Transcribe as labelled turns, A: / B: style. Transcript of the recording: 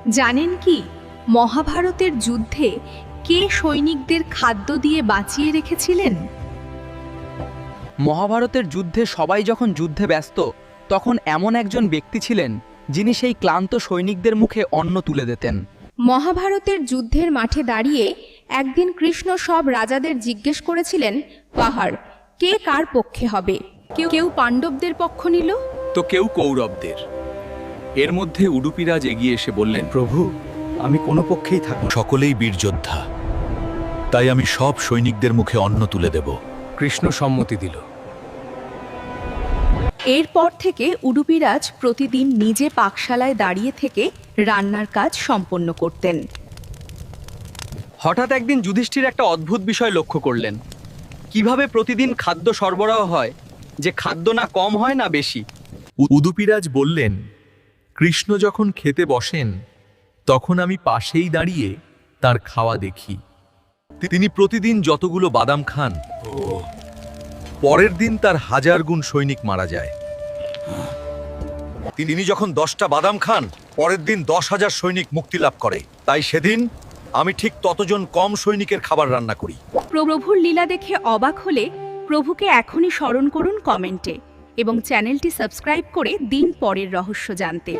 A: জানেন কি মহাভারতের যুদ্ধে কে সৈনিকদের খাদ্য দিয়ে বাঁচিয়ে রেখেছিলেন?
B: মহাভারতের যুদ্ধে সবাই যখন যুদ্ধে ব্যস্ত তখন এমন একজন ব্যক্তি ছিলেন যিনি সেই ক্লান্ত সৈনিকদের মুখে অন্ন তুলে দিতেন।
A: মহাভারতের যুদ্ধের মাঠে দাঁড়িয়ে একদিন কৃষ্ণ সব রাজাদের জিজ্ঞেস করেছিলেন, পাহাড় কে কার পক্ষে হবে? কেউ পাণ্ডবদের পক্ষ নিল,
C: তো কেউ কৌরবদের। এর মধ্যে উডুপিরাজ এগিয়ে এসে বললেন,
D: প্রভু, আমি কোনো পক্ষেই থাকব না।
E: সকলেই বীর যোদ্ধা, তাই আমি সব সৈনিকদের মুখে অন্ন তুলে দেব।
C: কৃষ্ণ সম্মতি দিল।
A: এরপর থেকে উডুপিরাজ প্রতিদিন নিজে পাকশালায় দাঁড়িয়ে থেকে রান্নার কাজ সম্পন্ন করতেন।
B: হঠাৎ একদিন যুধিষ্ঠির একটা অদ্ভুত বিষয় লক্ষ্য করলেন। কিভাবে প্রতিদিন খাদ্য সরবরাহ হয়, যে খাদ্য না কম হয় না বেশি।
E: উদুপিরাজ বললেন, কৃষ্ণ যখন খেতে বসেন তখন আমি পাশেই দাঁড়িয়ে তার খাওয়া দেখি। তিনি প্রতিদিন যতগুলো বাদাম খান, পরের দিন তার 1000 গুণ সৈনিক মারা যায়। তিনি যখন 10টা বাদাম খান, পরের দিন 10,000 সৈনিক মুক্তি লাভ করে। তাই সেদিন আমি ঠিক ততজন কম সৈনিকের খাবার রান্না করি।
A: প্রভুর লীলা দেখে অবাক হলে প্রভুকে এখনই স্মরণ করুন কমেন্টে এবং চ্যানেলটি সাবস্ক্রাইব করে দিন পরের রহস্য জানতে।